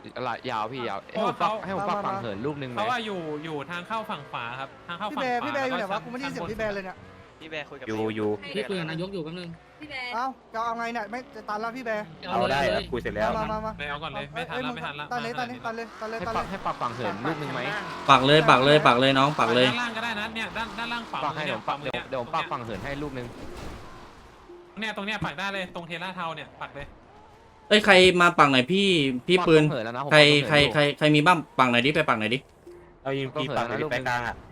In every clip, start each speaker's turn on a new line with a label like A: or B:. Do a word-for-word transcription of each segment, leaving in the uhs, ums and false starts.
A: ยาวพี่ยาวให้ผมปักให้ผมปักฝั่งเหินลูกนึงไหม
B: เพราะว่าอยู่อยู่ทางเข้าฝั่งขวาครับทางเข้า
C: พี่
B: ฝั่ง
C: แบ
B: ขวา
C: ร์พี่แบร์อยู่ไหนวะกูไม่ได้ยินเสียงพี่แบร์เลยเนี่ย
D: พี่แบร์คุยกับ
E: อยู่อยู่
F: พี่คุยกับนายกอยู่แป๊บนึง
G: พี่แบร์
C: เอ้าจะเอาไงเนี่ยไม่จะตันแล้วพี่แบร์
E: เอาได้ครับคุยเสร็จแล้ว
C: มามามา
B: ไม่เอาก่อนเลยไม่ทันแล้วไม่ทันแล้ว
C: ตันเลยตันเลยตันเลยตันเลย
A: ให้
C: ตัน
A: ปั
C: เล
A: ก
C: ย
A: ให้ปักฝั่งเหินลูกนึงไหม
F: ปักเลยปักเลยปักเลยน้องปักเลย
B: ด้านล่างก็ได้นะเนี่ยด้านด้านล่างขวา
A: ปักให้
B: มื
A: เดี๋
B: อ
A: ยวปัก
B: เนี่
A: เดี๋ยวเดี๋ยวปักฝั่งเหินให้ลูกนึง
B: เนี่ยตรงเนี้ยปักได้เลยตรงเทล่าเทาเนี่ยปักเลย
F: เอ้ยใครมาปักหน่อยพี่พี่ปืน
A: เหินแล้วนะ
F: ใครใครใครใครมีบ้างปักหน่อยดิไปปักหน่อยดิ
E: เอายิงปีปักในไปกลางอ่ะ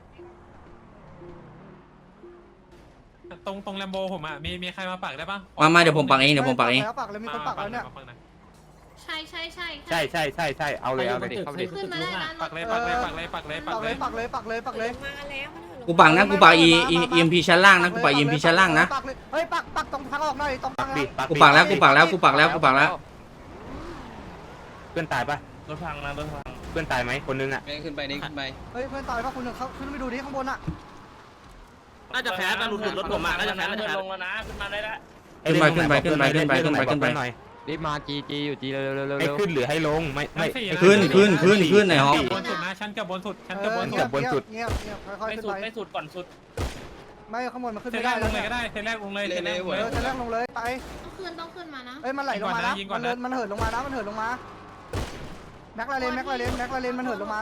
B: ตรงตรงแลมโบผมอ่ะมีมีใครมาปักได้ปะ
F: มามาเดี๋ยวผมปักเองเดี๋ยวผมปักเอง
C: แล้วปักเลยมีคนปักแล้วเนี่ย
G: ใช่ใช่ใช่
E: ใช่ใช่ใช่ใช่เอาเลยเอาเลยดิ
A: เข้าไปดิ
G: ขึ้นมาได้นะ
B: ปักเลยปักเลยปักเลยปักเลยปั
C: ปั
B: ก
C: ก
B: เล
C: เลย ยปักเลยปักเลยปักเลย
G: มาแล้วมัน
F: กูปักนะกูปักอีอีเอ็มพีชั้นล่างนะกูปักเอ็มพีชั้นล่างนะ
C: ปักเลยเฮ้ยปักปักตรงทางออกหน่อยตรงทาง
E: ดิปัก
F: กูปักแล้วกูปักแล้วกูปักแล้วกูปักแล้ว
E: เพื่อนตายปะ
D: รถพังนะรถพัง
E: เพื่อนตายไหมคนนึงอ่ะ
D: ขึ้นไปนี่ขึ้นไป
C: เฮ้ยเพื่อนตายป่ะคุณหนึ่งเขาขึ้นไปดูดิข้างบนอ่ะ
D: น่าจะแพ้แต่หลุดหลุดรถผมอ่ะน่าจะแพ้น่าจะแพ้ลงแล้วนะขึ้นมาได้ละ
F: ขึ้นไปขึ้นไปขึ้นไปขึ้นไปขึ้นไปขึ้นไป
E: หน่อย
A: รีบมาจีจีอยู่จีเร็วเร็วเร็ว
E: ให้
A: เร็ว
E: ขึ้นหรือให้ลงไม่ไม่
F: ขึ้นขึ้นขึ้นขึ้นไหนฮะ
B: บนสุดนะชั้นกับบนสุดชั้นกับบน
C: เงี
B: สุ
C: ย
B: ด
C: บเงียบเงียบเงียบค่อยๆขึ้นไป
D: ไม่สุดก่อนสุด
C: ไม่ข้างบนมันขึ้น
B: เท
C: ไม่
B: แร
C: ได้
B: กล
C: แล้ว
B: งเลย
C: เนี่ย
B: ก็ได้เทแรกลงเลยเทแรกลง
C: เอ
B: เลย
C: อจะแรกลงเลยไป
G: ต้องขึ้นต้องขึ้นมานะ
C: เอ้ยมันไหลลงมานะ
B: ยิงก่อ
C: มัน น
B: นะ
C: เหินมันเหินลงมานะมันเหินลงมาแม็กลาเลนแม็กลาเลนแม็กลาเลนมันเหินลงมา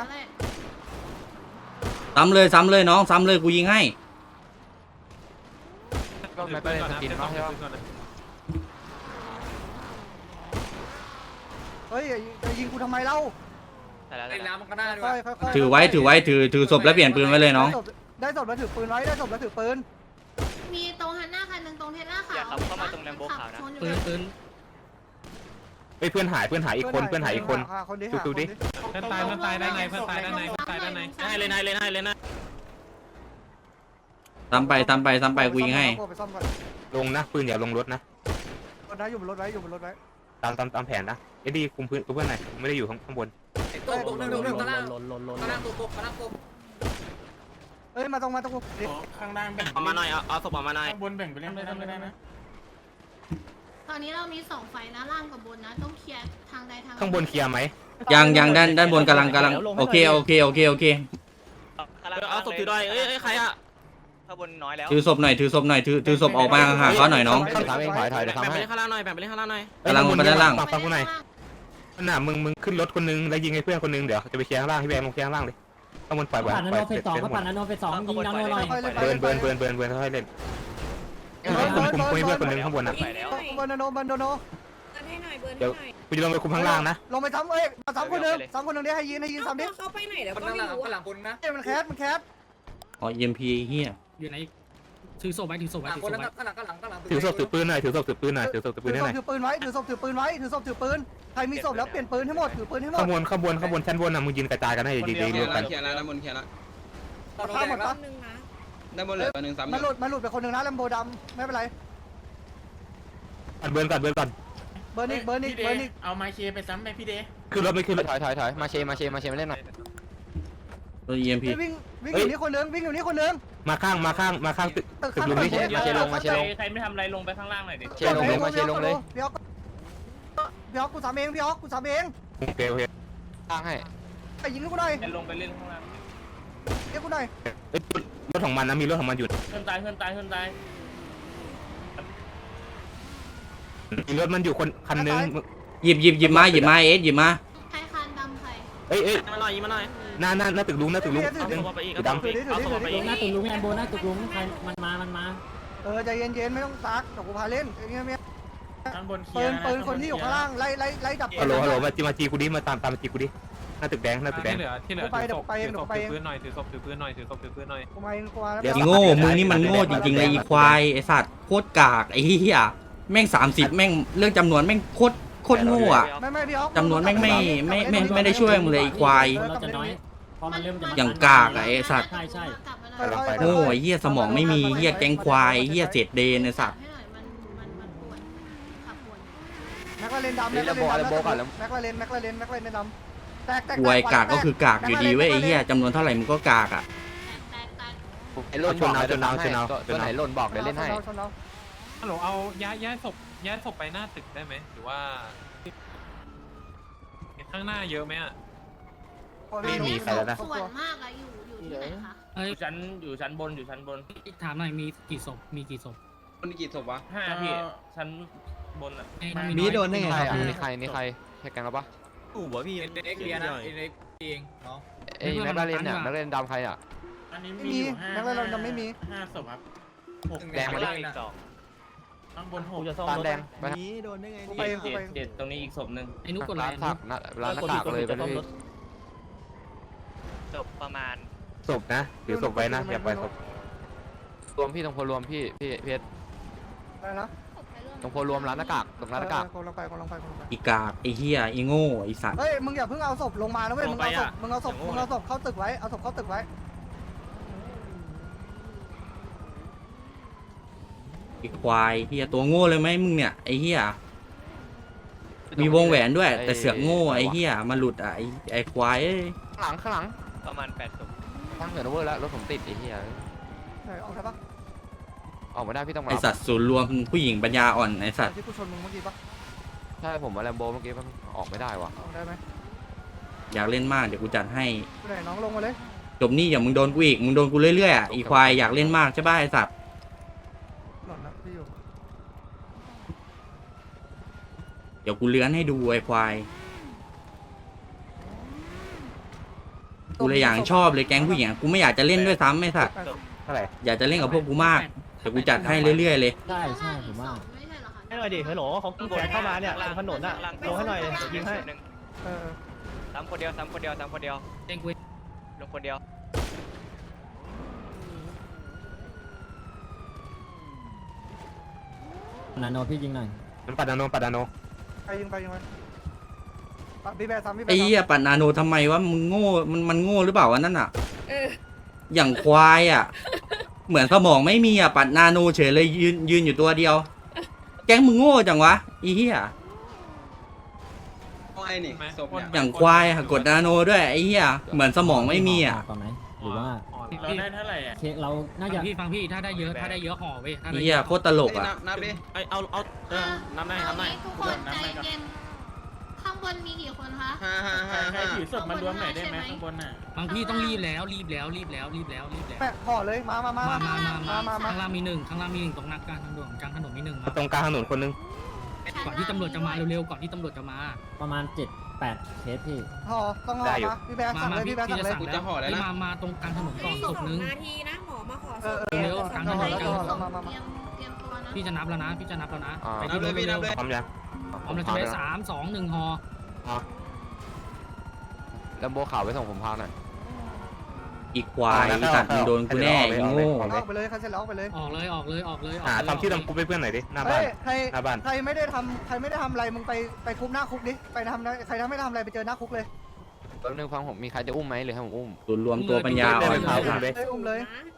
F: ซ้ำเลยซ้ำเลยน้องซ้ำเลยกูยิงให้
A: ก็ไม่เป็นสกินเนาะใช่ปะ
C: เฮ้ยจะยิงกูทำไมเล่า
D: แต่แล้ว
H: เล่นน้ำมันก็ได้ด้วย
C: ค่อยๆค่อยๆ
F: ถือไว้ถือไว้ถือถือศพแล้วเปลี่ยนปืนไว้เลยน้อง
C: ได้ศพแล้วถือปืนไว้ได้ศพแล้วถือปืน
G: มีตรงฮันหน้าคันหนึ่งตรงเทล่าขาว
D: อย่าขับเข้ามาตรงแลมโบขาวนะ
F: ปืนปืน
E: เฮ้ยเพื่อนหายเพื่อนหายอีกคนเพื่อนหายอีกคน
C: หาคนดิ
E: ดูดูดิ
B: เพื่อนตายเพื่อนตายได้ไงเพื่อนตายได้ไงเพื่อนตายได้ไง
D: ให้เลยนายเลยนายเลยนะ
F: ซ้ำไปซ้ำไปซ้ำไปกูยิงให้
C: ไปซ่อมก่อน
E: ลงนะปืนอย่าลงรถนะ
C: รถนะอยู่บนรถไว้อยู่บนรถไว้
E: ตามตามตามแผนนะเอ็ดดี้คุมพื้นเพื่อนหน่อยไม่ได้อยู่ข้างข้างบน
H: ไอ้ตัวตกหนึ่งหนึ่งหนึ่งข้างล่างข้างล่างตัวตกข้างล่างตัว
C: เอ้ยมาตรงมาตรงดิ
H: ข้างล่างแบ่ง
D: เอามาหน่อยเอาเอาศพออกมาหน่อย
H: ข้างบนแบ่งไปเล่นได้ไม่ได้นะ
G: ตอนนี้เรามีสองไฟนะล่างกับบนนะต้องเคลียร์ทางใดทาง
E: ข้างบนเคลียร์ไหม
F: ยังยังด้านด้านบนกำลังกำลังโอเคโอเคโอเคโอเค
D: เอาศพถือด้วยเอ้ยใครอ่ะข้างบนน้อยแล้ว
F: ถือศพหน่อยถือศพหน่อยถือถือศพออกมาห่างเขาหน่อยน้อง
A: ถามเองถอยถอยเดี๋ยว
D: แบ่ง
A: ทำ
D: ไป
A: ให้
D: เล่นข้างล่างหน่อยแบ่งไปเล่นข้างล่างหน่อย
F: กำลังลงไปด้านล่าง
E: ฟังฟังกูหน่อยน่ะมึงมึงขึ้นรถคนนึงแล้วยิงให้เพื่อนคนนึงเดี๋ยวจะไปเคลียร์ข้างล่างให้แบงลงเคลียร์ข้างล่างเลยข้างบนปล่อยไว้
I: ปั่นน
E: ปล่อย
I: โนเฟสสองก็ปั่นนโนเฟสสองยิงนโนหน่อย
E: เบิร์นเบิร์นเบิร์นเบิร์นเบิร์นค่อยๆเล่นคุมคุมคุมให้เพื่อนคนนึงข้างบนนะ
D: ไปแล้ว
C: บนโนบนโน
G: เบิร์นให้หน่อยเบิร์นให้หน่อย
E: กูจะลงไปคุมข้างล่างนะ
C: ลงไปซ้ำเอ้ยมาซ้ำคนหนึ่งซ้ำคนหนึ่งดิให้ยิงให้ยิงซ้ำดิ
G: เขาไปไหนเดี๋ยว
H: มัน
G: ก็
H: ข้าง
G: ไม่
H: ล่าง
G: รู้
H: ข้างหลังคนนะ
C: เอ้ยมันแคสมันแคส
F: อ๋อเอ็มพีเฮีย
I: อยู่ไหนถือศพไว้ถือศพไว้
H: หลัง
I: ถือ
H: ค
I: ศ
H: น
I: พ
H: นั้น
I: ไว้
H: ข้างหลังข้างหลังข้างหลัง
E: ถือศพถือปืนหน่อยถือศพถือปืนหน่อยถือศพถือปืนให้หน่อย
C: ถือปืนไว้ถือศพถือปืนไว้ถือศพถือปืนใครมีศพแล้วเปลี่ยนปืนให้หมดถือปืนให้หมด
E: ข้างบนข้างบนข้างบนชั้นบนนะมึงยืนกระจายกันให้ดีๆรวมกัน
D: เคลียร์แล้วด้านบนเคลียร์แล้ว
C: ข้ามหมดปะ
G: นึงนะ
D: ด้านบนเหลือตัวนึงซ้ำ
C: มันหลุดมันหลุดไปคนหนึ่งนะแลมโบดำไม่เป็นไร
E: เบิร์นก่อนเบิร์นก่อน
C: เบอร์นิกเบอร์นิกเบอร์นิก
H: เอาไม้เคไปซ้ำไปพี่เด
E: ขึ้นรถไม่ขึ้นรถ
A: ถอยถอยถอยมาเชมาเชมาเชมาเล่นหน่อย
F: ตัวเอ็มพี
C: วิ่งวิ่งอยู่นี่คนหนึ่งวิ่งอยู่นี่คนหนึ่ง
E: มาข้างมาข้างมาข้างตึก
C: ตึก
E: ตึก
C: ข้าง
E: ลุงนี่
A: มาเชลงมาเชลง
D: ใครไม่ทำอะไรลงไปข้างล่างหน่อยดิ
A: เชลงเลยมาเชลงเลย
C: พี่อ๊อกพี่อ๊อกกูสามเองพี่อ๊อกกูสามเอง
E: โอเคโอเค
A: ตั้งให้
C: ไปยิงกูหน่อย
D: ลงไปเล่นข้างล่าง
C: เรียกกูหน่อย
E: เอ้ยรถของมันนะมีรถของมันอยู่
D: เพื่อนตายเพื่อนตายเพื่อนตาย
E: มีรถมันอยู่คนคันนึง
F: หยิบหยิบหยิบมาหยิบมาเอสหยิบมา
G: ใครคานดำใคร
E: เอ้ยเอ้ย
D: มาหน่อยมาหน่อย
E: หน้าหน้าหน้าตึกลุงหน้าตึกลุง
D: เอาศพไปอีกเอาศพไปอีกเอาศพไป
I: ล
D: อีก
I: งหน้าตุกลุงแอนโบหน้าตุกลุงใครมันมามันมา
C: เออใจเย็นๆไม่ต้องซักเดี๋ยวกูพาเล่นอย่างเงี้ยเงี้ย
H: ข้างบนเคลี
C: ปื
H: ย
C: น
H: ร์
C: ปืนคนที่อยู่ข้างล่างไล่ไล่ไล่ดับ
E: ฮัลโหลฮัลโหลมาจีมาจีกูดิมาตามตามมาจีกูดิหน้าตึกแดงหน้าตึกแด
B: ที่
E: ง
B: เหลือที่เหลือถือศพถือศพถือปืนหน่อยถือศพถือปืนหน่อยถือศพถือปืนหน่อย
C: กูมาเองกูมาแล้ว
F: อีโง่มึงนี่มันโง่จริงๆเลยอีควายไอสัตว์โคตรกากไอ้เหี้ยแม่งสามสิบแม่งเรื่องจำนวนแม่งโคตรโคตรโง่อะ
C: ไม่ไม่พี่อ๊อก
F: จำนวนแม่งไม่ไม่ไม่ไม่ได้ช่วยมึงเลยไอ้ควาย
I: เราจะน้อยพอมันเริ่มจะ
F: อย่างกากอะไอ้สัตว์
I: ใช่ใช่
G: กลับมาหน่อย
F: โง่ไอ้เหี้ยสมองไม่มีเหี้ยแก๊งควายเหี้ยเศษเดนไอ้สัตว์
G: ให้หน่อยมันมันมันปวดขับปวด
C: แม็กลาเรนดำแม็กลาเรนดำแม็กลาเรนแม็กลาเรนแม็กลาเรนแม็กลาเรนดำแตกแตก
F: ควยกากก็คือกากอยู่ดีเว้ยไอ้เหี้ยจำนวนเท่าไหร่มึงก็กากอะ
G: แตกแตก
A: ไอ้ล่นบอกเดี๋ยวทำให้ตัวไหนล่นบอกเดี๋ยวเล่นให้
B: ฮัลโหลเอาย้ายย้ายศพย้ายศพไปหน้าตึกได้ไหมหรือว่าข้างหน้าเยอะไหมอ่ะ
E: ไม่มีใครแล้วนะ
G: ส่วนมากอะอยู่อยู่ที่ไหนคะ
I: เอ้ย
D: อยู่ชั้นอยู่ชั้นบนอยู่ชั้นบน
I: ถามหน่อยมีกี่ศพมีกี่ศพ
H: คนกี่ศพวะ
D: ห้าพี่ชั้นบนอ่ะ
I: ไอ้
C: มีโดนได้ไง
A: ใคร
C: ครับ
A: อ่ะนี่ใครนี่ใครแค่กันแล้วปะ
H: ตู่วะพี่เอ็กเลียนะเอ็กเองเนาะ
A: เอ้ยแม็กลาเรนเนี่ยแม็กลาเรนดำใครอ่ะ
B: อันนี้
C: ไม่มีแม็กลาเรนดำไม่มี
B: ห้าศพครับ
A: แดงมาดิ
B: ข้างบนหก
A: ตาแดงไป
C: นี้โดนได้ไง
D: เจ็ดเจ็ดเจ็ดตรงนี้อีกศพหนึ่ง
I: ไอ้นุกกดไล
A: ร้าน
I: น์
A: สักร้านหน้ากากเลยไปเลย
D: ศพประมาณ
E: ศพนะถือศพไว้นะอย่าปล่อยศพ
A: รวมพี่ตรงโพรวมพี่พี่เพชร
C: อะไรนะ
A: ตรงโพรวมร้านหน้ากากตรงร้านหน้ากาก
C: กำลังไปกำลังไปกำลังไป
F: อีกากไอ้เหี้ยไอ้โง่ไอ้สัตว์
C: เฮ้ยมึงอย่าเพิ่งเอาศพลงมานะเว้ยมึงเอาศพมึงเอาศพมึงเอาศพเข้าตึกไว้เอาศพเข้าตึกไว้
F: ไอ้ควายเหี้ยตัวโง่เลยไหมมึงเนี่ยไอ้เหี้ยมีวงแหวนด้วย แต่เสือกโง่ไอ้เหี้ยมาหลุดอ่ะไอ้ไอ้ควายเอ้ย
A: ข้างหลังข้างหลัง
D: ประมาณแปดศพ
A: ทั้งเหนือเวอร์แล้วรถผมติดไอ้เหี้ย
C: เฮ้ยออกได้ปะ
A: ออกไม่ได้พี่ต้องมา
F: ไอ้สัตว์ศูนย์รวมผู้หญิงปัญญาอ่อนไอ้สัตว์
C: ที่กูชนมึงเมื่อกี้ปะ
A: ใช่ผมมาแลมโบเมื่อกี้มันออกไม่ได้ว่ะ
C: ออกได้ไหม
F: อยากเล่นมากเดี๋ยวกูจัดให้
C: ไปไหนน้องลงมาเลย
F: จบนี่อย่ามึงโดนกูอีกมึงโดนกูเรื่อยๆอ่ะอีควายอยากเล่นมากใช่ป่ะไอ้สัตว์
C: หล่นนะพี่อยู่
F: เดี๋ยวกูเลื้อนให้ดูไอ้ควายกูเลยอย่างชอบเลยแก๊งผู้หญิงกูไม่อยากจะเล่นด้วยซ้ำไอ้สัตว์
E: เท่าไหร่
F: อยากจะเล่นกับพวกกูมากเดี๋ยวกูจัดให้เรื่อยๆเลย
I: ใช่ใช่ผมว่า
G: ไม่ใช่เหรอคะ
H: ให้หน่อยดิฮัลโหลเขาแขนเข้ามาเนี่ยตรงถนนอ่ะลงให้หน่อยยิงให้
C: เออ
D: ซ้ำคนเดียวซ้ำคนเดียวซ้ำคนเดียว
I: เด้งกู
D: ลงคนเดียว
I: นาโนพี่ยิงหน่อย
E: มันปัดนาโนปัดนาโน
C: ไปยิงไปยิงไปปะพี่แบร์ซ้ำพี่แบร์
F: ไอ้เหี้ยปัดนาโนทำไมวะมึงโง่มันมันโง่หรือเปล่าวะนั่นอ่ะอย่างควายอ่ะ เหมือนสมองไม่มีอ่ะปัดนาโนเฉยเลยยืนยืนอยู่ตัวเดียว แก๊งมึงโง่จังวะไอ้เหี้ย
H: ไอ้นี่ศพเนี่ย
F: อย่างควายอะกดนาโนด้วยไอ้เหี้ยเหมือนสมองไม่มีอ่ะ
I: ก่อนไหมหรือว่า
B: เราได้เท่าไหร่อ่ะ
I: เคเราน่าจะพี่ฟังพี่ถ้าได้เยอะถ้าได้เยอะห่อเว้ย
F: ไอ้เหี้ยโคตรตลกอ่ะ
H: นับดิ
D: ไอเอาเอาเออน้ำได้น้ำได้
G: ทุกคนใจเย็นข้างบนมีกี่คนคะ
H: ห้าห้าห้า
B: ใคร
H: ห้า
B: ถือศพมารวมหน่อยได้ไหมข้างบนน่ะ
I: บางพี่ต้องรีบแล้วรีบแล้วรีบแล้วรีบแล้วรีบแล้ว
C: แปะห่อเลยมามามา
I: มา
C: มา
I: มามา
C: มามา
I: ข้างล่างมีหนึ่งข้างล่างมีหนึ่งตรงนักกลางทางด่วนกลางถนนมีหนึ่งมา
E: ตรงกลางถนนคนนึง
I: ก่อนที่ตำรวจจะมาเร็วๆก่อนที่ตำรวจจะมา
J: ประมาณเจ็ดแปดเคสพี่
C: ห่อต้องห่อมาพี่แบร์
I: มา
C: สั่ง
I: มา
C: เลย
I: พี่
C: พี่แบร์
I: พี่
C: สั่ง
I: จะ
C: เลย
I: สั่งแล้วมามาตรงกลางถนนก่อนศพนึง
G: นาทีนะหมอมาขอ
C: เออเออ
I: เร็วกลางถนน
C: แล้ว
I: กลาง
C: ห่อ
I: ถน
C: แล้ว
I: น
C: มามามา
G: เตรียมเตรียมตัวนะ
I: พี่จะนับแล้วนะพี่จะนับแล้วนะ
A: อ่า
I: ไปที่รถเร็ว
E: พร้อมยัง
I: พร้อมแล้วจะได้สามสองหนึ่งห่อ
A: แลมโบขาวไปส่งผมพาหน่อย
F: อีควายไอ้สัตว์มึงโดนกูแน่ไอ้โง่
C: ออกไปเลยใครเสร็จแล้วออกไปเลย
I: ออกเลยออกเลยออกเลยออก
E: หา
I: เลย
E: ทำชื่อทำกูไปเพื่อนหน่อยดิหน้าบ้า
C: เฮ้
E: น
C: ยใคร
E: หน้าบ้าน
C: ใครไม่ได้ทำใครไม่ได้ทำอะไรมึงไปไปคุกหน้าคุกดิไปทำใครทำไม่ได้ทำอะไรไปเจอหน้าคุกเลย
A: แป๊บนึงฟังผมมีใครจะอุ้มไหมหรือให้ผมอุ้ม
F: ศูนย์รวมตัวปัญญาอ่อน
E: เดินไป
F: ไอ้
E: พา
F: สัตว์
E: เลย
C: เอ้ยอุ้มเลย